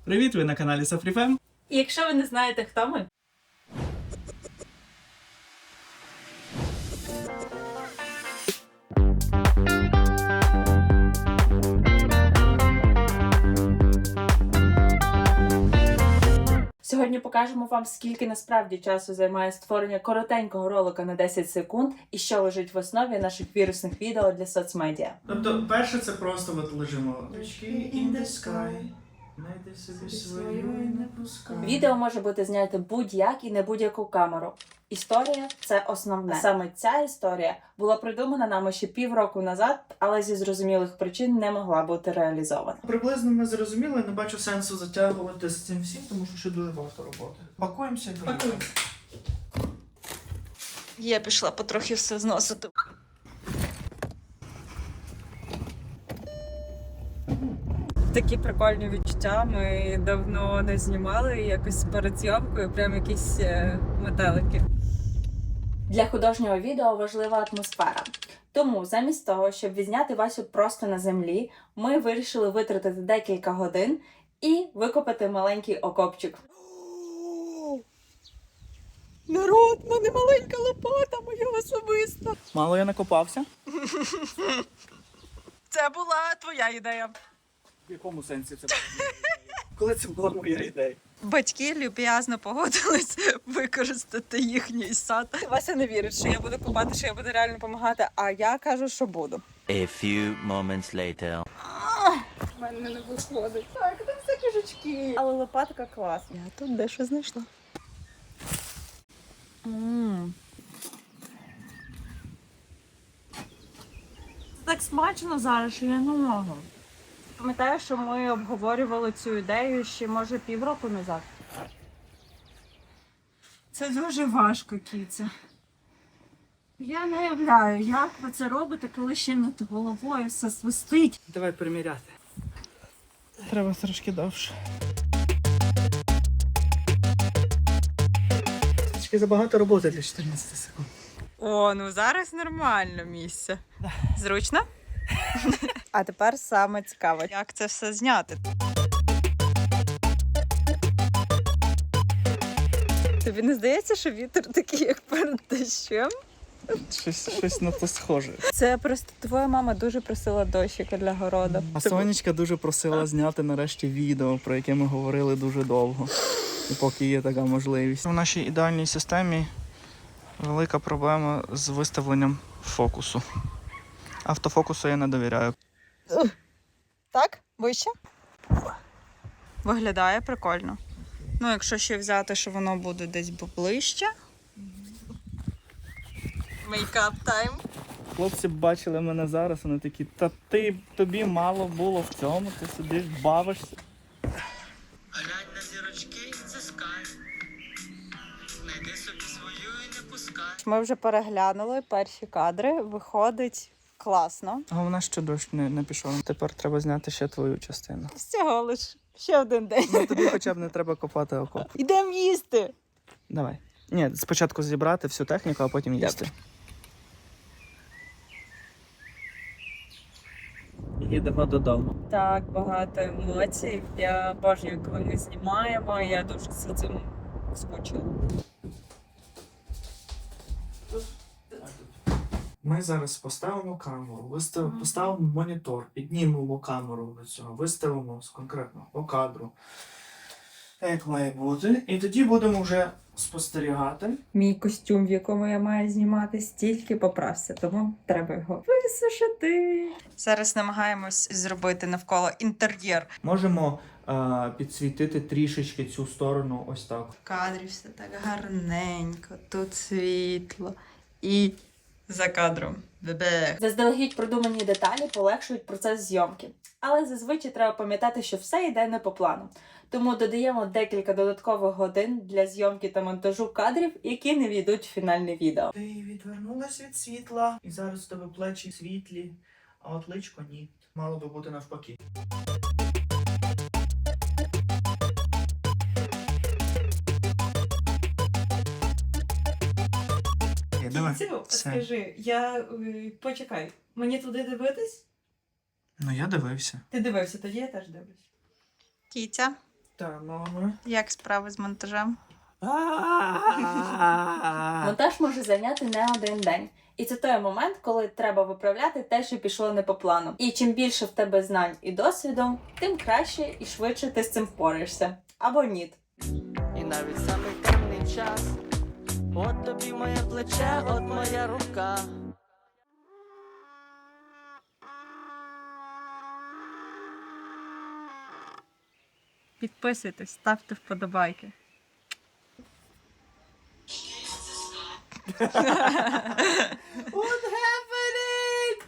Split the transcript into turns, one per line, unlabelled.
Привіт, ви на каналі Сафріфем.
І якщо ви не знаєте, хто ми, сьогодні покажемо вам, скільки насправді часу займає створення коротенького ролика на 10 секунд і що лежить в основі наших вірусних відео для соцмедіа.
Тобто, перше це просто от лежимо. In the sky. Найди собі свою і не пускай.
Відео може бути знято будь-як і на будь-яку камеру. Історія – це основне. Саме ця історія була придумана нами ще півроку назад, але зі зрозумілих причин не могла бути реалізована.
Приблизно ми зрозуміли, не бачу сенсу затягувати з цим всім, тому що ще дуже багато роботи. Пакуємося і поїхали.
Я пішла потрохи все зносити. Такі прикольні відчуття. Ми давно не знімали якось перед зйомкою, прям якісь метелики. Для художнього відео важлива атмосфера. Тому замість того, щоб відзняти Васю просто на землі, ми вирішили витратити декілька годин і викопати маленький окопчик. Народ, в мене маленька лопата, моя особиста.
Мало я накопався?
Це була твоя ідея.
В якому сенсі це була моя ідея? Коли це була моя ідея?
Батьки люб'язно погодились використати їхній сад. Вася не вірить, що я буду купати, що я буду реально допомагати, а я кажу, що буду.
A few moments later.
У мене не виходить. Так, там все кишечки. Але лопатка клас. Я тут дещо знайшла. Це так смачно зараз, що я не можу. Пам'ятаю, що ми обговорювали цю ідею ще, може, півроку назад. Це дуже важко, кіця. Я не уявляю, як ви це робите, коли ще над головою все свистить.
Давай приміряти. Треба трошки довше. Трішки забагато роботи для 14 секунд.
О, ну зараз нормально місце. Зручно? А тепер саме цікаво, як це все зняти. Тобі не здається, що вітер такий, як перед дощем?
Щось на то схоже.
Це просто твоя мама дуже просила дощика для городу.
А Сонечка дуже просила зняти нарешті відео, про яке ми говорили дуже довго. І поки є така можливість. В нашій ідеальній системі велика проблема з виставленням фокусу. Автофокусу я не довіряю.
Так? Вище? Виглядає прикольно. Ну, якщо ще взяти, що воно буде десь ближче. Мейкап тайм.
Хлопці бачили мене зараз, вони такі, та тобі мало було в цьому, ти сидиш, бавишся.
Глянь на зірочки, це скай. Найди собі свою і не пускай.
Ми вже переглянули перші кадри, виходить класно.
Головне, що дощ не пішов. Тепер треба зняти ще твою частину.
Всього лиш ще один день.
Ну тобі хоча б не треба копати окоп.
Ідемо їсти.
Давай. Ні, спочатку зібрати всю техніку, а потім їсти. Їдемо додому.
Так, багато емоцій. Я обожнюю, коли ми знімаємо, я дуже за цим скучила.
Ми зараз поставимо камеру, поставимо монітор, піднімемо камеру до цього, виставимо конкретно по кадру, як має бути. І тоді будемо вже спостерігати.
Мій костюм, в якому я маю знімати, стільки поправся, тому треба його висушити. Зараз намагаємось зробити навколо інтер'єр.
Можемо підсвітити трішечки цю сторону ось так.
В кадрі все так гарненько, тут світло і за кадром. Бебе. Заздалегідь продумані деталі полегшують процес зйомки. Але зазвичай треба пам'ятати, що все йде не по плану. Тому додаємо декілька додаткових годин для зйомки та монтажу кадрів, які не війдуть в фінальне відео.
Ти відвернулась від світла, і зараз у тебе плечі світлі, а от личко ні. Мало би бути навпаки. Давай.
Скажи, почекай, мені туди дивитись?
Ну я дивився.
Ти дивився, тоді я теж дивлюсь. Кітя,
Та, мама.
Як справи з монтажем? Монтаж може зайняти не один день. І це той момент, коли треба виправляти те, що пішло не по плану. І чим більше в тебе знань і досвіду, тим краще і швидше ти з цим впораєшся. Або ні.
І навіть самий темний час. От тобі моє плече, от моя рука.
Підписуйтесь, ставте вподобайки.
От